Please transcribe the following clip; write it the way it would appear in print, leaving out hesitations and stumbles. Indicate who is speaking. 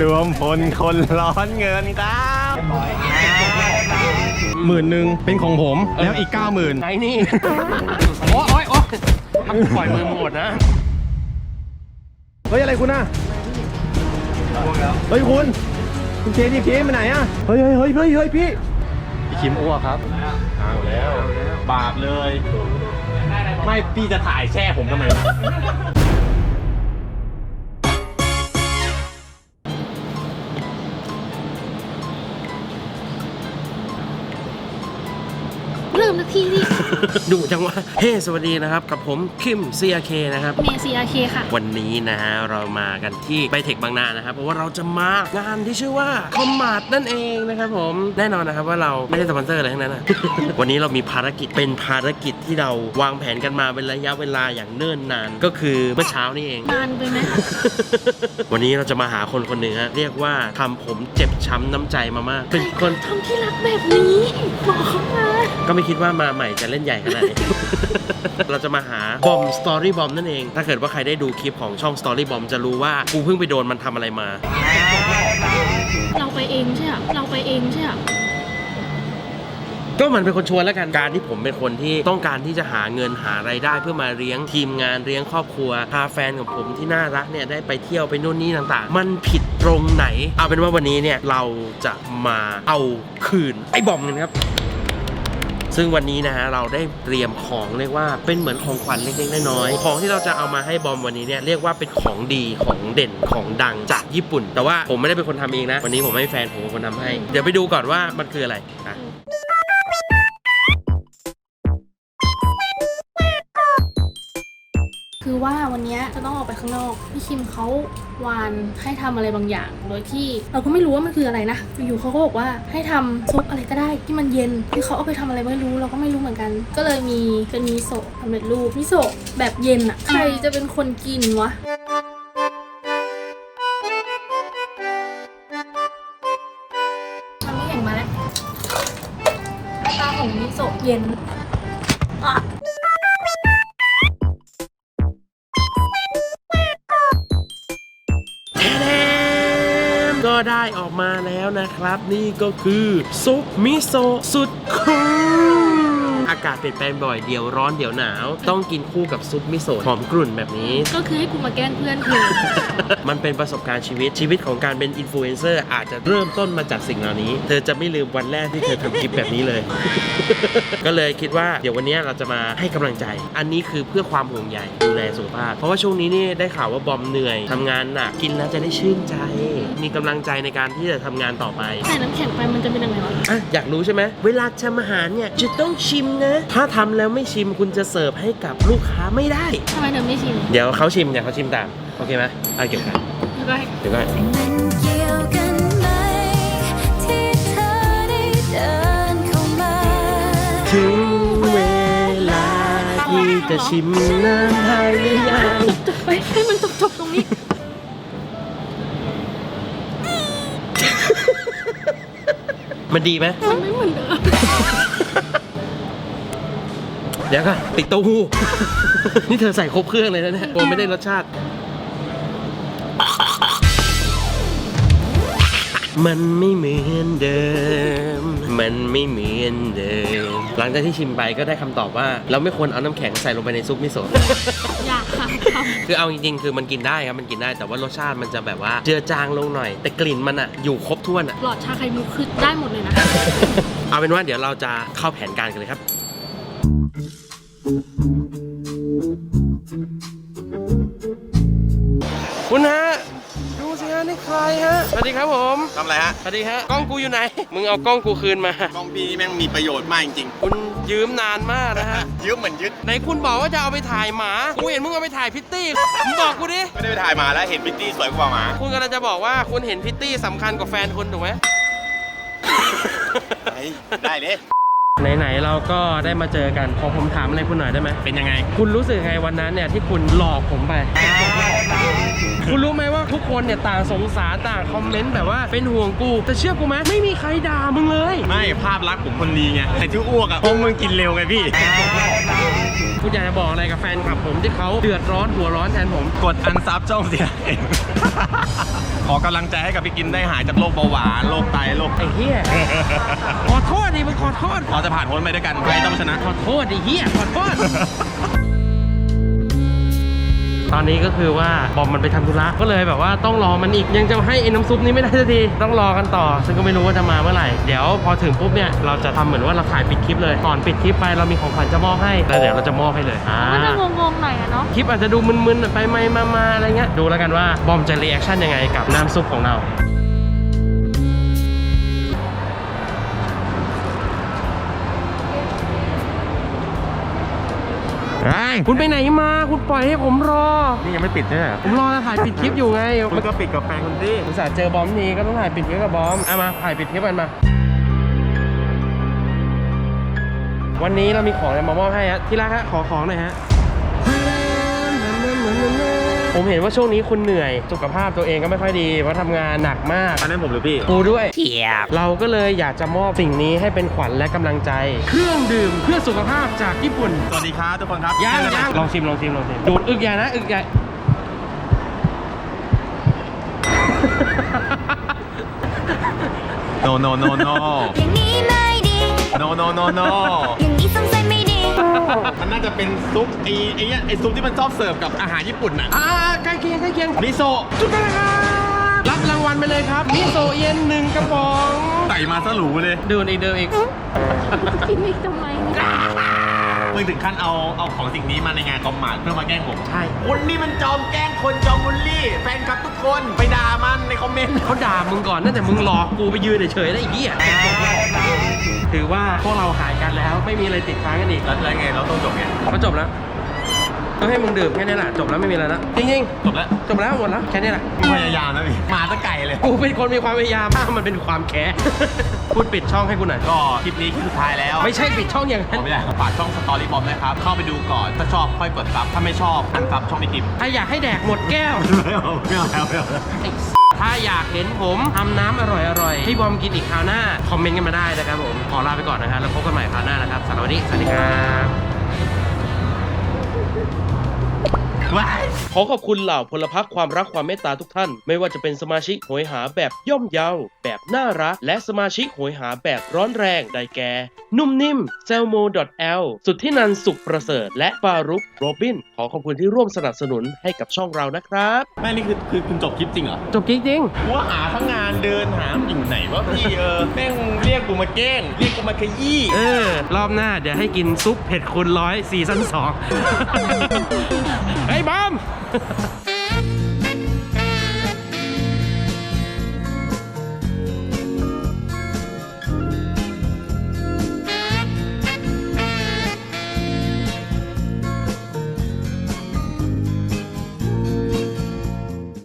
Speaker 1: รวมพลคนร้อนเงินครับ10,000เป็นของผมแล้วอีก 90,000
Speaker 2: ไหนนี่โอ้ยทำปล่อยมือหมดนะ
Speaker 1: เฮ้ยอะไรคุณน่ะเฮ้ยคุณเคทีเคมาไหนอ่ะเฮ้ยพี่คิมอ้วกครับเอาแล้วบาปเลยไม่พี่จะถ่ายแช่ผมทำไม
Speaker 3: เริ่มนาทีดิ
Speaker 2: ดูจังวะเฮ้สวัสดีนะครับกับผมคิม CRK นะครับ
Speaker 3: เมย์ CRK ค่ะ
Speaker 2: วันนี้นะฮะเรามากันที่ไบเทคบางนานะครับเพราะว่าเราจะมางานที่ชื่อว่าคอมมาร์ทนั่นเองนะครับผมแน่นอนนะครับว่าเราไม่ได้สปอนเซอร์อะไรทั้งนั้นนะ วันนี้เรามีภารกิจเป็นภารกิจที่เราวางแผนกันมาเป็นระยะเวลาอย่างเนิ่นนานก็คือเมื่อเช้านี่เอง
Speaker 3: นานไปไหม
Speaker 2: วันนี้เราจะมาหาคนคนหนึ่งฮะเรียกว่าทำผมเจ็บช้ำน้ำใจมามากเป็นคน
Speaker 3: ทำที่รักแบบนี้บอกเขามา
Speaker 2: ก็ไม่คิดว่ามาใหม่จะเล่นใหญ่ขนาดนี้ เราจะมาหาบอมสตอรี่บอมนั่นเองถ้าเกิดว่าใครได้ดูคลิปของช่องสตอรี่บอมจะรู้ว่ากูเพิ่งไปโดนมันทำอะไรมา
Speaker 3: เราไปเองใช่ไหม
Speaker 2: ก็มันเป็นคนชวนแล้วกันการที่ผมเป็นคนที่ต้องการที่จะหาเงินหารายได้เพื่อมาเลี้ยงทีมงานเลี้ยงครอบครัวพาแฟนของผมที่น่ารักเนี่ยได้ไปเที่ยวไปนู่นนี่ต่างๆมันผิดตรงไหนเอาเป็นว่าวันนี้เนี่ยเราจะมาเอาคืนไอ้บอมกันครับซึ่งวันนี้นะฮะเราได้เตรียมของเรียกว่าเป็นเหมือนของขวัญเล็กๆน้อยๆของที่เราจะเอามาให้บอมวันนี้เนี่ยเรียกว่าเป็นของดีของเด่นของดังจากญี่ปุ่นแต่ว่าผมไม่ได้เป็นคนทำเองนะวันนี้ผมให้แฟนผมเป็นคนทำให้เดี๋ยวไปดูก่อนว่ามันคืออะไรนะ
Speaker 3: คือว่าวันนี้จะต้องออกไปข้างนอกพี่คิมเขาวานให้ทำอะไรบางอย่างโดยที่เราก็ไม่รู้ว่ามันคืออะไรนะอยู่เขาก็บอกว่าให้ทำซุปอะไรก็ได้ที่มันเย็นคือเขาเอาไปทำอะไรไม่รู้เราก็ไม่รู้เหมือนกันก็เลยมีเป็นมิโซะสำเร็จรูปมิโซะแบบเย็นอ่ะใครจะเป็นคนกินวะมันไม่เห็นมาแล้วตาของมิโซะเย็นอ่ะ
Speaker 2: ก็ได้ออกมาแล้วนะครับนี่ก็คือซุปมิโซะสุดคูลอากาศเปลี่ยนแปลงบ่อยเดี๋ยวร้อนเดี๋ยวหนาวต้องกินคู่กับซุปมิโซะหอมกรุ่นแบบนี้
Speaker 3: ก็คือให้กูมาแกล้งเพื่อนเธอ
Speaker 2: มันเป็นประสบการณ์ชีวิตของการเป็นอินฟลูเอนเซอร์อาจจะเริ่มต้นมาจากสิ่งเหล่านี้เธอจะไม่ลืมวันแรกที่เธอทำคลิปแบบนี้เลย ก็เลยคิดว่าเดี๋ยววันนี้เราจะมาให้กำลังใจอันนี้คือเพื่อความห่วงใยดูแลสุขภาพเพราะว่าช่วงนี้นี่ได้ข่าวว่าบอมเหนื่อยทำงานหนักกินแล้วจะได้ชื่นใจมีกำลังใจในการที่จะทำงานต่อไป
Speaker 3: ใส่น้ำแข็งไปมันจะเป็นยังไงวะ
Speaker 2: อยากรู้ใช่ไหมเวลาทำอาหารเนี่ยจะต้องชิมนะถ้าทำแล้วไม่ชิมคุณจะเสิร์ฟให้กับลูกค้าไม่ได้
Speaker 3: ทำไมเธอไม่ชิม
Speaker 2: เดี๋ยวเขาชิมตามโอเคไหมเก็บกันเดี๋ยวก่อนถึงเวลาที่จะชิมน้ำไทยหรือยัง
Speaker 3: จบไปให้มันจบตรงนี้
Speaker 2: มันดีไหม
Speaker 3: มันไม่เหมือนเดิม
Speaker 2: เดี๋ยวก่อนติดเต้าหู้ นี่เธอใส่ครบเครื่องเลยนะเนี่ยโอ้ไม่ได้รสชาติมันไม่เหมือนเดิมหลังจากที่ชิมไปก็ได้คำตอบว่าเราไม่ควรเอาน้ำแข็งใส่ลงไปในซุปมิโซะ
Speaker 3: อยากค่ะ
Speaker 2: คือเอาจริงๆคือมันกินได้ครับมันกินได้แต่ว่ารสชาติมันจะแบบว่าเจือจางลงหน่อยแต่กลิ่นมันอะอยู่ครบถ้วนอะ
Speaker 3: หลอดชาไข่มุกคือได้หมดเลยนะ
Speaker 2: เอาเป็นว่าเดี๋ยวเราจะเข้าแผนการกันเลยครับคุณฮะดูสิฮะนี่ใครฮะสวัสดีครับผม
Speaker 1: ทำอะไรฮะ
Speaker 2: สวัสดีฮะกล้องกูอยู่ไหนมึงเอากล้องกูคืนมาก
Speaker 1: ล้องพี่นี่แม่งมีประโยชน์มากจริง
Speaker 2: ๆคุณยืมนานมากนะฮะ
Speaker 1: ยืมเหมือนยึด
Speaker 2: ไหนคุณบอกว่าจะเอาไปถ่ายหมากูเห็นมึงเอาไปถ่ายพิตตี้มึงบอกกูดิ
Speaker 1: ไม่ได้ไปถ่ายหมาแล้วเห็นพิตตี้สวยกว่าหมา
Speaker 2: คุณกำลังจะบอกว่าคุณเห็นพิตตี้สำคัญกว่าแฟนคุณถูกไหม
Speaker 1: ได้เลย
Speaker 2: ไหนๆเราก็ได้มาเจอกันขอผมถามอะไรคุณหน่อยได้ไหม
Speaker 1: เป็นยังไง
Speaker 2: คุณรู้สึกไงวันนั้นเนี่ยที่คุณหลอกผมไปคุณรู้ไหมว่าทุกคนเนี่ยต่างสงสารต่างคอมเมนต์แบบว่าเป็นห่วงกูแต่เชื่อกูไหมไม่มีใครด่ามึงเลย
Speaker 1: ไม่ภาพลักษณ์ผมคนดีไงแต่ที่อ้วกอ่ะเพราะมึงกินเร็วไงพี่
Speaker 2: กูอยากจะบอกอะไรกับแฟนคลับผมที่เขาเดือดร้อนหัวร้อนแทนผม
Speaker 1: กดอันซับช่องเสียเอง ขอกำลังใจให้กับพี่กินได้หายจากโรคเบาหวานโรคไตโรค
Speaker 2: ไอ้เหี้ยขอโทษดิมึงขอโทษ
Speaker 1: เราจะผ่านพ้นไปด้วยกันใครต้องชนะ
Speaker 2: ขอโทษดิเหี้ยขอโทษ ตอนนี้ก็คือว่าบอมมันไปทำธุระก็เลยแบบว่าต้องรอมันอีกยังจะให้ไอ้น้ำซุปนี้ไม่ได้สักทีต้องรอกันต่อซึ่งก็ไม่รู้ว่าจะมาเมื่อไหร่เดี๋ยวพอถึงปุ๊บเนี่ยเราจะทำเหมือนว่าเราถ่ายปิดคลิปเลยก่อนปิดคลิปไปเรามีของขวัญจะมอบให้แล้วเดี๋ยวเราจะมอบให้เลย
Speaker 3: มันจะงงๆหน่อยอะเนาะ
Speaker 2: คลิปอาจจะดูมึนๆไปมาอะไรเงี้ยดูแล้วกันว่าบอมจะรีแอคชั่นยังไงกับน้ำซุปของเราคุณไปไหนมาคุณปล่อยให้ผมรอ
Speaker 1: นี่ยังไม่ปิดใช่ไหม
Speaker 2: ผมรอถ่ายปิดคลิปอยู่ไง
Speaker 1: มันก็ปิดกับแฟนคุณที่
Speaker 2: อุตส่าห์เจอบอมนี้ก็ต้องถ่ายปิดคลิปกับบอมเอามาถ่ายปิดคลิปกันมาวันนี้เรามีของอะไรมามอบให้ฮะที่รักฮะขอของหน่อยฮะผมเห็นว่าช่วงนี้คุณเหนื่อยสุขภาพตัวเองก็ไม่ค่อยดีเพราะทำงานหนักมาก
Speaker 1: อันนั้นผมหรือพี่
Speaker 2: กูด้วยเราก็เลยอยากจะมอบสิ่งนี้ให้เป็นขวัญและกำลังใจ เครื่องดื่มเพื่อสุขภาพจากญี่ปุ่น
Speaker 1: สวัสดีครับทุกคนครับ
Speaker 2: ย่างลองชิมดูดอึกใหญ่นะอึกใหญ่
Speaker 1: โนโนโนโน
Speaker 4: อย่างนี้ไม่ดี
Speaker 1: โนโนโนโน
Speaker 4: อย่างนี้สงสัยไม่ดี
Speaker 1: มันน่าจะเป็นซุปไอ้ซุปที่มันชอบเสิร์ฟกับอาหารญี่ปุ่นน่ะ
Speaker 2: ใกล้เคียง
Speaker 1: มิโซะ
Speaker 2: จุดกันเลยครับรับรางวัลไปเลยครับมิโซะเย็น1 กระป๋อง
Speaker 1: ใส่มาซะหรูเลย
Speaker 2: ดื่มอีก
Speaker 3: กินอีกทำไมเนี่ย
Speaker 1: มึงถึงขั้นเอาของสิ่งนี้มาในงานคอมมาร์ทเพื่อมาแกล้งผม
Speaker 2: ใช่
Speaker 1: คุณนี่มันจอมแกล้งคนจอมบูลลี่แฟนคลับทุกคนไปด่ามันในคอมเมนต์
Speaker 2: เขาด่ามึงก่อนนั่นแต่มึงหลอกกูไปยืนเฉยๆได้อีกอ่ะถือว่าพวกเราหายกันแล้วไม่มีอะไรติดค้างกันอีก
Speaker 1: แล้วไงเราต้องจบไง
Speaker 2: ก็จบแล้วก็ให้มึงดื่มแค่นี้แหละจบแล้วไม่มีอะไรแล้วจริง
Speaker 1: จบแล้ว
Speaker 2: ๆจบแล้วหมดแล้วแค่นี้แหละ
Speaker 1: มึงพยายามนะพี่มาตะไก่เลย
Speaker 2: กูเป็นคนมีความพยายามถ้ามันเป็นความแค้น พูดปิดช่องให้กูหน่อย
Speaker 1: ก็คลิปนี้คลิปสุดท้ายแล้ว
Speaker 2: ไม่ใช่ปิดช่องอย่าง
Speaker 1: ผ
Speaker 2: นั้น
Speaker 1: มอยากฝากช่องสตอรี่บอมนะครับ เข้าไปดูก่อน ถ้าชอบค่อยกดซับ ถ้าไม่ชอบอันซับช่องในคลิป
Speaker 2: ถ้าอยากให้แดกหมดแก้ว
Speaker 1: ไม่เอาแล้ว
Speaker 2: ถ้าอยากเห็นผมทำน้ำอร่อยๆให้บอมกินอีกคราวหน้า คอมเมนต์กันมาได้นะครับผม ขอลาไปก่อนนะครับ แล้วพบกันใหม่คราวหน้านะครับสำหรับวันนี้สวัสดีครับขอขอบคุณเหล่าพลพรรคความรักความเมตตาทุกท่าน ไม่ว่าจะเป็นสมาชิกโหยหาแบบย่อมเยาแบบน่ารัก และสมาชิกโหยหาแบบร้อนแรงได้แก่ นุ่มนิ่มเซลโม .l สุดที่นันสุขประเสริฐและปารุกโรบินขอขอบคุณที่ร่วมสนับสนุนให้กับช่องเรานะครับ
Speaker 1: แม่นี่คือคุณจบคลิปจริงเหรอ
Speaker 2: จบจริง
Speaker 1: ว่าหาทั้งงานเดินหาอยู่ไหนวะพี่แม่งเรียกกูมาแกล้งเรียกกูมาขยี้
Speaker 2: รอบหน้าเดี๋ยวให้กินซุปเผ็ดคูณ100ซีซั่น2 ไอ้บอม